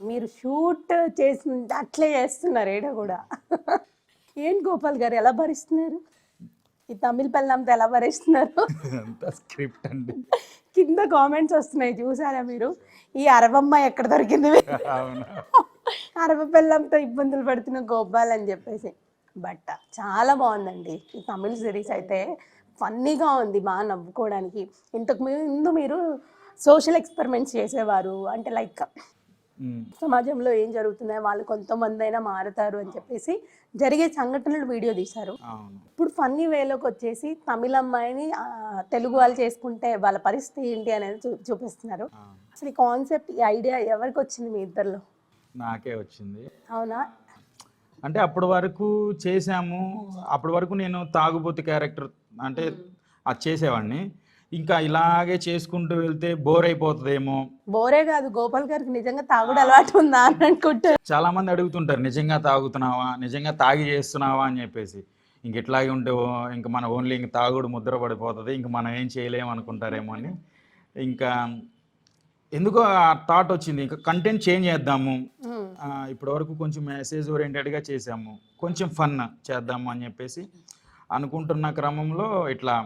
మీరు షూట్ చేసిన అట్లే చేస్తున్నారు ఈడ కూడా. ఏంటి గోపాల్ గారు ఎలా భరిస్తున్నారు ఈ తమిళ పెళ్ళంతా, ఎలా భరిస్తున్నారు? అంతా స్క్రిప్ట్ అండి. కింద కామెంట్స్ వస్తున్నాయి చూసారా మీరు, ఈ అరవమ్మ ఎక్కడ దొరికింది మీకు? అవును. అరవ పెళ్ళంతో ఇబ్బందులు పడుతున్న గోపాల్ అని చెప్పేసి. బట్ చాలా బాగుందండి ఈ తమిళ సిరీస్ అయితే, ఫన్నీగా ఉంది, బాగా నవ్వుకోవడానికి. ఇంతకు ముందు మీరు సోషల్ ఎక్స్పెరిమెంట్స్ చేసేవారు, అంటే లైక్ సమాజంలో ఏం జరుగుతున్నాయో వాళ్ళు కొంతమంది అయినా మారుతారు అని చెప్పేసి జరిగే సంఘటనలు వీడియో తీశారు. అవును. ఇప్పుడు ఫన్నీ వేలోకి వచ్చేసి తమిళ అమ్మాయిని తెలుగు వాళ్ళు చేసుకుంటే వాళ్ళ పరిస్థితి ఏంటి అనేది చూపిస్తున్నారు. అసలు ఈ కాన్సెప్ట్, ఈ ఐడియా ఎవరికి వచ్చింది మీ ఇద్దరిలో? నాకే వచ్చింది. అవునా? అంటే అప్పటి వరకు చేసాము, అప్పటి వరకు నేను తాగుబోతు క్యారెక్టర్ అంటే అది చేసేవాడిని. ఇంకా ఇలాగే చేసుకుంటూ వెళ్తే బోర్ అయిపోతుందేమో. బోరే కాదు, గోపాల్ గారికి నిజంగా తాగుడు అలవాటు ఉందా అని అనుకుంటారు. చాలా మంది అడుగుతుంటారు, నిజంగా తాగుతున్నావా, నిజంగా తాగి చేస్తున్నావా అని చెప్పేసి. ఇంక ఇట్లాగే ఉంటే ఇంక మన ఓన్లీ ఇంక తాగుడు ముద్ర పడిపోతుంది, ఇంక మనం ఏం చేయలేము అనుకుంటారేమో అని. ఇంకా ఎందుకో ఆ థాట్ వచ్చింది, ఇంకా కంటెంట్ చేంజ్ చేద్దాము. ఇప్పటి వరకు కొంచెం మెసేజ్ ఓరియంటెడ్గా చేసాము, కొంచెం ఫన్ చేద్దాము అని చెప్పేసి అనుకుంటున్న క్రమంలో ఇట్లా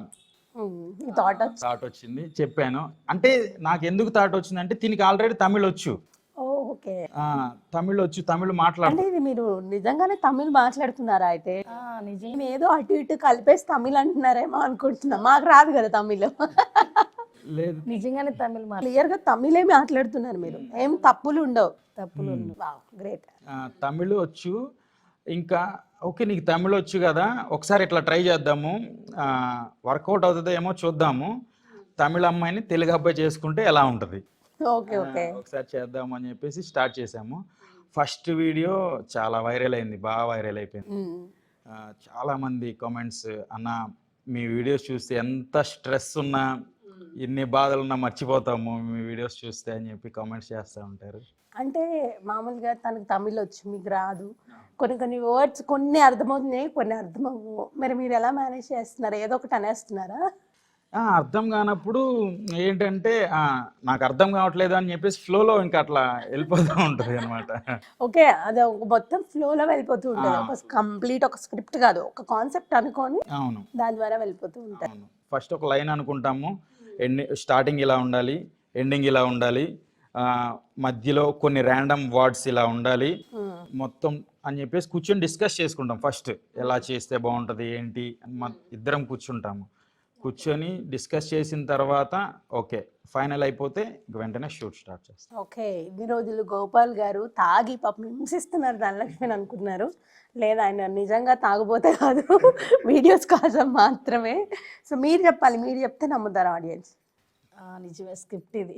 థాట్ వచ్చింది. చెప్పాను. అంటే నాకు ఎందుకు థాట్ వచ్చిందంటే దీనికి ఆల్రెడీ తమిళ్ వచ్చు. ఓకే, తమిళ్ వచ్చు, తమిళ్ మాట్లాడు. ఇది మీరు నిజంగానే తమిళ్ మాట్లాడుతున్నారా? అయితే నిజం ఏదో అటు ఇటు కలిపేసి తమిళ్ అంటున్నారేమో అనుకుంటున్నా, మాకు రాదు కదా తమిళ్. లేదు, నిజంగానే తమిళ్ క్లియర్ గా తమిళే మాట్లాడుతున్నారు మీరు, ఏం తప్పులు ఉండవు. తప్పులు గ్రేట్. తమిళ్ వచ్చు. ఇంకా ఓకే, నీకు తమిళ్ వచ్చు కదా, ఒకసారి ఇట్లా ట్రై చేద్దాము, వర్కౌట్ అవుతుందో ఏమో చూద్దాము, తమిళ అమ్మాయిని తెలుగు అబ్బాయి చేసుకుంటే ఎలా ఉంటుంది, ఓకే ఓకే ఒకసారి చేద్దాము అని చెప్పేసి స్టార్ట్ చేసాము. ఫస్ట్ వీడియో చాలా వైరల్ అయింది, బాగా వైరల్ అయిపోయింది. చాలా మంది కామెంట్స్, అన్న మీ వీడియోస్ చూస్తే ఎంత స్ట్రెస్ ఉన్నా ఎన్ని బాధలున్నా మర్చిపోతాము మీ వీడియోస్ చూస్తే అని చెప్పి కామెంట్స్ చేస్తూ ఉంటారు. అంటే మామూలుగా తనకు తమిళ్ వచ్చు, మీకు రాదు, కొన్ని కొన్ని వర్డ్స్ కొన్ని అర్థమవుతున్నాయి, కొన్ని అర్థమవు. మరి మీరు ఎలా మేనేజ్ చేస్తున్నారు? ఏదో ఒకటి అనేస్తున్నారా? అర్థం కానప్పుడు ఏంటంటే నాకు అర్థం కావట్లేదు అని చెప్పేసి ఫ్లోలో ఇంకా అట్లా వెళ్ళిపోతూ ఉంటుంది అనమాట. ఓకే, అది ఒక మొత్తం ఫ్లోలో వెళ్ళిపోతూ ఉంటుంది, ఒక కంప్లీట్ ఒక స్క్రిప్ట్ కాదు, ఒక కాన్సెప్ట్ అనుకొని అవును దాని ద్వారా వెళ్ళిపోతూ ఉంటాయి. ఫస్ట్ ఒక లైన్ అనుకుంటాము, స్టార్టింగ్ ఇలా ఉండాలి, ఎండింగ్ ఇలా ఉండాలి, మధ్యలో కొన్ని ర్యాండమ్ వర్డ్స్ ఇలా ఉండాలి మొత్తం అని చెప్పేసి కూర్చొని డిస్కస్ చేసుకుంటాం. ఫస్ట్ ఎలా చేస్తే బాగుంటుంది ఏంటి అని ఇద్దరం కూర్చుంటాము. కూర్చొని డిస్కస్ చేసిన తర్వాత ఓకే ఫైనల్ అయిపోతే వెంటనే షూట్ స్టార్ట్ చేస్తాం. ఓకే, ఇన్ని రోజులు గోపాల్ గారు తాగి పాపం హింసిస్తున్నారు ధనలక్ష్మిని అనుకుంటున్నారు. లేదా ఆయన నిజంగా తాగుపోతే కాదు, వీడియోస్ కోసం మాత్రమే. సో మీరు చెప్పాలి, మీరు చెప్తే నమ్ముతారు ఆడియన్స్. నిజమే, స్క్రిప్ట్ ఇది.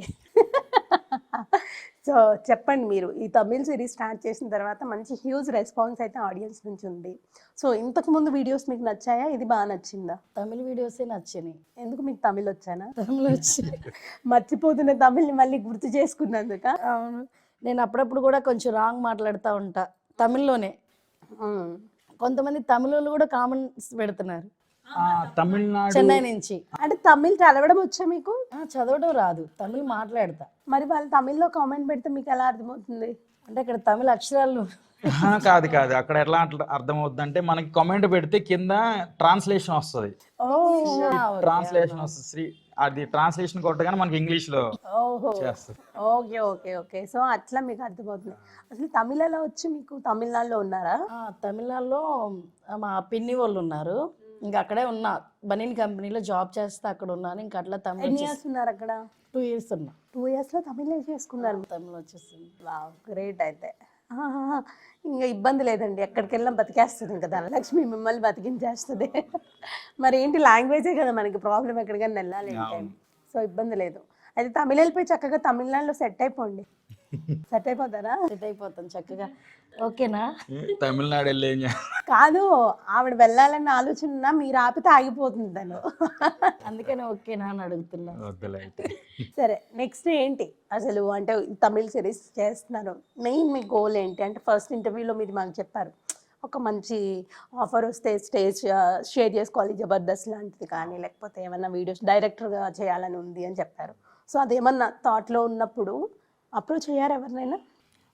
సో చెప్పండి, మీరు ఈ తమిళ్ సిరీస్ స్టార్ట్ చేసిన తర్వాత మంచి హ్యూజ్ రెస్పాన్స్ అయితే ఆడియన్స్ నుంచి ఉంది. సో ఇంతకు ముందు వీడియోస్ మీకు నచ్చాయా, ఇది బాగా నచ్చిందా? తమిళ వీడియోసే నచ్చినాయి. ఎందుకు, మీకు తమిళ్ వచ్చానా? తమిళ వచ్చి మర్చిపోతున్న తమిళ్ని మళ్ళీ గుర్తు చేసుకున్నందుక? అవును, నేను అప్పుడప్పుడు కూడా కొంచెం రాంగ్ మాట్లాడుతూ ఉంటా తమిళ్లోనే. కొంతమంది తమిళ కూడా కామెంట్స్ పెడుతున్నారు తమిళనాడు, చెన్నై నుంచి. అంటే తమిళ్ చదవడం వచ్చా మీకు? చదవడం రాదు, తమిళ్ మాట్లాడతా. మరి వాళ్ళు తమిళ్లో కామెంట్ పెడితే మీకు ఎలా అర్థమవుతుంది? అంటే ఇక్కడ తమిళ అక్షరాలు కాదు కాదు, అక్కడ ఎట్లా అర్థమవుతుంది అంటే మనకి కామెంట్ పెడితే కింద ట్రాన్స్లేషన్ వస్తుంది. ట్రాన్స్లేషన్ వస్తుంది, అది ట్రాన్స్లేషన్ కొట్టగానే మనకి ఇంగ్లీష్ లో చేస్తుంది. ఓకే ఓకే ఓకే, సో అట్లా మీకు అర్థమవుతుంది. అసలు తమిళ ఎలా వచ్చి మీకు? తమిళనాడులో ఉన్నారా? తమిళనాడులో మా పిన్ని వాళ్ళు ఉన్నారు, ఇంకా అక్కడే ఉన్నా, బనీన్ కంపెనీలో జాబ్ చేస్తే అక్కడ ఉన్నాను. ఇంకా అట్లా తమిళ. ఎన్ని ఇయర్స్ ఉన్నారు అక్కడ? 2 years ఉన్నా. 2 years లో తమిళ చేసుకున్నారు? తమిళ వచ్చేస్తుంది. గ్రేట్. అయితే ఇంకా ఇబ్బంది లేదండి, ఎక్కడికి వెళ్ళినా బతికేస్తుంది ఇంకా ధనలక్ష్మి, మిమ్మల్ని బతికించేస్తుంది. మరి ఏంటి, లాంగ్వేజే కదా మనకి ప్రాబ్లం, ఎక్కడికైనా వెళ్ళాలి అంటే. సో ఇబ్బంది లేదు. అయితే తమిళ వెళ్ళిపోయి చక్కగా తమిళనాడులో సెట్ అయిపోండి. సెట్ అయిపోతారా? సెట్ అయిపోతాను చక్కగా. ఓకేనా? తమిళనాడు వెళ్ళి కాదు, ఆవిడ వెళ్ళాలన్న ఆలోచన మీరు ఆపితే ఆగిపోతుంది తను, అందుకని ఓకేనా అని అడుగుతున్నా. సరే, నెక్స్ట్ ఏంటి అసలు? అంటే తమిళ సిరీస్ చేస్తున్నారు, మెయిన్ మీ గోల్ ఏంటి? అంటే ఫస్ట్ ఇంటర్వ్యూలో మీరు మాకు చెప్పారు, ఒక మంచి ఆఫర్ వస్తే స్టేజ్ షేర్ చేసుకోవాలి, జబర్దస్త్ లాంటిది కానీ, లేకపోతే ఏమన్నా వీడియోస్ డైరెక్టర్గా చేయాలని ఉంది అని చెప్పారు. సో అదేమన్నా థాట్లో ఉన్నప్పుడు అప్రోచ్ అయ్యారు ఎవరినైనా?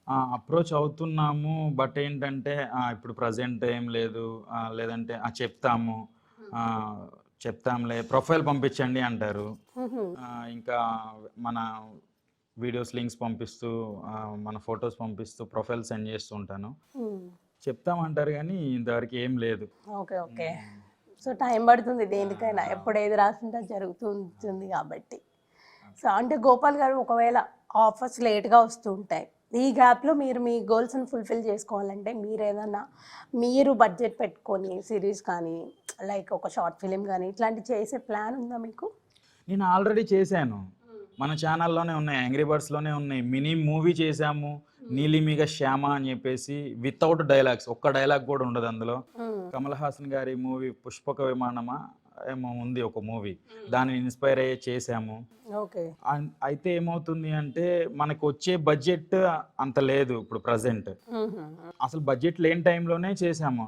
అప్రోచ్ అవుతున్నాము. బట్ ఏంటంటే ఇప్పుడు ప్రజెంట్ ఏం లేదు, లేదంటే చెప్తాము, ఆ, చెప్తాంలే, ప్రొఫైల్ పంపించండి అంటారు. ఇంకా మన వీడియోస్ లింక్స్ పంపిస్తూ, మన ఫొటోస్ పంపిస్తూ ప్రొఫైల్ సెండ్ చేస్తూ ఉంటాను. చెప్తామంటారు కానీ ఇంతవరకు ఏం లేదు. Okay okay. సో టైం పడుతుంది దేనికైనా, ఎప్పుడు ఏది రాసింటే జరుగుతూ ఉంటుంది కాబట్టి. సో అంటే గోపాల్ గారు, ఒకవేళ ఆఫర్స్ లేట్గా వస్తూ ఉంటాయి, ఈ గ్యాప్లో మీరు మీ గోల్స్ని ఫుల్ఫిల్ చేసుకోవాలంటే మీరు ఏదన్నా మీరు బడ్జెట్ పెట్టుకొని సిరీస్ కానీ లైక్ ఒక షార్ట్ ఫిలిం కానీ ఇట్లాంటివి చేసే ప్లాన్ ఉందా మీకు? నేను ఆల్రెడీ చేశాను, మన ఛానల్లోనే ఉన్నాయి, యాంగ్రీ బర్డ్స్లోనే ఉన్నాయి. మినీ మూవీ చేశాము, నీలిమిగ శ్యామ అని చెప్పేసి, వితౌట్ డైలాగ్స్, ఒక్క డైలాగ్ కూడా ఉండదు అందులో. కమల్ హాసన్ గారి మూవీ పుష్పక విమానమా ఏమో ఉంది ఒక మూవీ, దాన్ని ఇన్స్పైర్ అయ్యే చేశాము. ఓకే. అయితే ఏమవుతుంది అంటే మనకు వచ్చే బడ్జెట్ అంత లేదు ఇప్పుడు ప్రజెంట్. అసలు బడ్జెట్ లేని టైంలోనే చేశాము.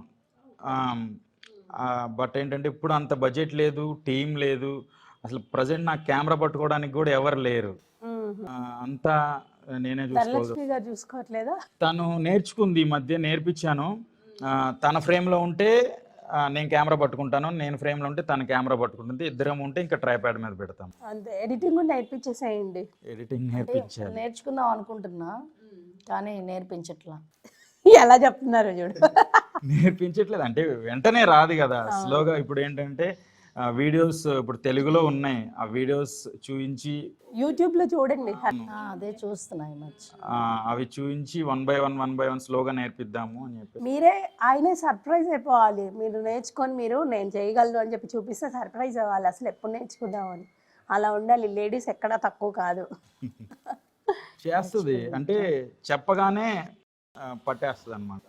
బట్ ఏంటంటే ఇప్పుడు అంత బడ్జెట్ లేదు, టీం లేదు, అసలు ప్రజెంట్ నాకు కెమెరా పట్టుకోవడానికి కూడా ఎవరు లేరు. అంతా నేనే చూసుకోవట్లేదా? తను నేర్చుకుంది, ఈ మధ్య నేర్పించాను. తన ఫ్రేమ్లో ఉంటే నేను కెమెరా పట్టుకుంటాను, నేను ఫ్రేమ్లో ఉంటే తన కెమెరా పట్టుకుంటుంది, ఇద్దరం ఉంటే ఇంకా ట్రైప్యాడ్ మీద పెడతాం. అంతే. ఎడిటింగ్ కూడా నేర్పించేసేయండి. ఎడిటింగ్ నేర్పించాలి. నేర్చుకుందాం అనుకుంటున్నా కానీ నేర్పించట్లా. ఎలా చెప్తున్నారు చూడు. నేర్పించట్లేదు అంటే వెంటనే రాదు కదా, స్లోగా. ఇప్పుడు ఏంటంటే వీడియోస్ ఇప్పుడు తెలుగులో ఉన్నాయి, ఆ వీడియోస్ చూపించి యూట్యూబ్లో చూడండి. అదే చూస్తున్నా ఈ మధ్య. అవి చూపించి 1 by 1 స్లోగా నేర్పిద్దాము అని చెప్పి. మీరే ఆయనే సర్ప్రైజ్ అయిపోవాలి. మీరు నేర్చుకొని మీరు నేను చేయగలను అని చెప్పి చూపిస్తే సర్ప్రైజ్ అవ్వాలి, అసలు ఎప్పుడు నేర్చుకుందామని. అలా ఉండాలి. లేడీస్ ఎక్కడా తక్కువ కాదు. చేస్తుంది అంటే చెప్పగానే పట్టేస్తుంది అనమాట.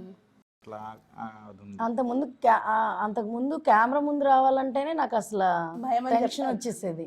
అంతకుముందు కెమెరా ముందు రావాలంటేనే నాకు అసలు భయం, టెన్షన్ వచ్చేసేది.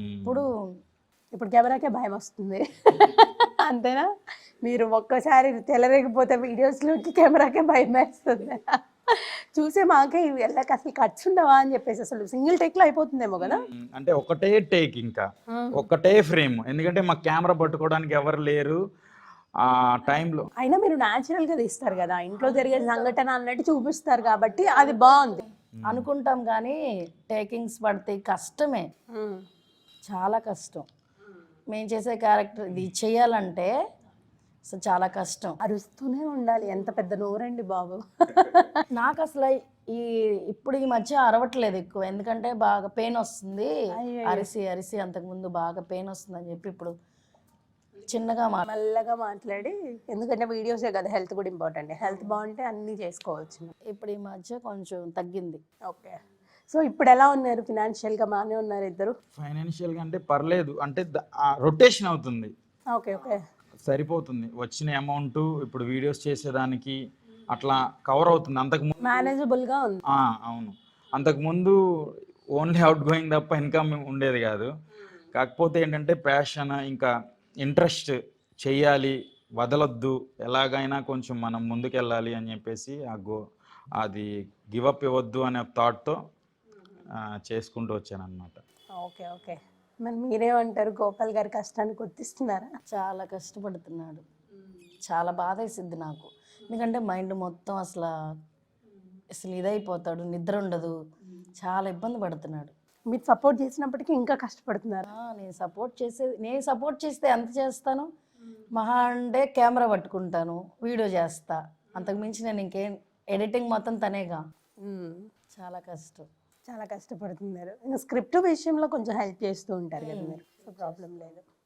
ఇప్పుడు కెమెరాకే భయం వస్తుంది. అంతేనా? మీరు ఒక్కసారి తెలరేగిపోతే వీడియోస్లోకి కెమెరాకే భయం వేస్తుంది. చూసే మాకే వెళ్ళక అసలు ఖర్చు ఉండవా అని చెప్పేసి, అసలు సింగిల్ టేక్ లో అయిపోతుందేమో కదా. అంటే ఒకటే టేక్, ఇంకా ఒకటే ఫ్రేమ్, ఎందుకంటే మాకు కెమెరా పట్టుకోవడానికి ఎవరు లేరు ఆ టైంలో. అయినా మీరు న్యాచురల్ గా తీస్తారు కదా, ఇంట్లో జరిగే సంఘటన అన్నట్టు చూపిస్తారు కాబట్టి అది బాగుంది అనుకుంటాం. కానీ టేకింగ్స్ పడతాయి, కష్టమే, చాలా కష్టం. మేము చేసే క్యారెక్టర్ ఇది చేయాలంటే అసలు చాలా కష్టం. అరుస్తూనే ఉండాలి. ఎంత పెద్ద నోరండి బాబు. నాకు అసలు ఇప్పుడు ఈ మధ్య అరవట్లేదు ఎక్కువ, ఎందుకంటే బాగా పెయిన్ వస్తుంది. అరిసి అరిసి అంతకుముందు బాగా పెయిన్ వస్తుంది అని చెప్పి ఇప్పుడు చిన్నగా మెల్లగా మాట్లాడి, ఎందుకంటే వీడియోసే కదా, హెల్త్ కూడా ఇంపార్టెంట్. హెల్త్ బాగుంటే అన్నీ చేసుకోవచ్చు. ఇప్పుడు ఈ మధ్య కొంచెం తగ్గింది. ఓకే. సో ఇప్పుడు ఎలా ఉన్నారు? ఫినాన్షియల్గా బాగానే ఉన్నారు ఇద్దరు? ఫైనాన్షియల్గా అంటే పర్లేదు, అంటే రొటేషన్ అవుతుంది. ఓకే ఓకే, సరిపోతుంది. వచ్చిన అమౌంట్ ఇప్పుడు వీడియోస్ చేసేదానికి అట్లా కవర్ అవుతుంది. అంతకుముందు మేనేజబుల్గా ఉంది. అవును, అంతకుముందు ఓన్లీ అవుట్ గోయింగ్ తప్ప ఇన్కమ్ ఉండేది కాదు. కాకపోతే ఏంటంటే ప్యాషన్, ఇంకా ఇంట్రెస్ట్, చెయ్యాలి, వదలొద్దు, ఎలాగైనా కొంచెం మనం ముందుకెళ్ళాలి అని చెప్పేసి అది గివప్ ఇవ్వద్దు అనే థాట్తో చేసుకుంటూ వచ్చాను అనమాట. Okay okay. మరి మీరేమంటారు? గోపాల్ గారి కష్టాన్ని గుర్తిస్తున్నారా? చాలా కష్టపడుతున్నాడు. చాలా బాధ వేసిద్ది నాకు, ఎందుకంటే మైండ్ మొత్తం అసలు ఇదైపోతాడు, నిద్ర ఉండదు, చాలా ఇబ్బంది పడుతున్నాడు. మీరు సపోర్ట్ చేసినప్పటికీ ఇంకా కష్టపడుతున్నారు. నేను సపోర్ట్ చేస్తే ఎంత చేస్తాను? మహా అంటే కెమెరా పట్టుకుంటాను, వీడియో చేస్తా, అంతకు మించి నేను ఇంకేం, ఎడిటింగ్ మొత్తం తనేగా. చాలా కష్టం, చాలా కష్టపడుతున్నారు. ఇంకా స్క్రిప్ట్ విషయంలో కొంచెం హెల్ప్ చేస్తూ ఉంటారు కదా మీరు, సో ప్రాబ్లం లేదు.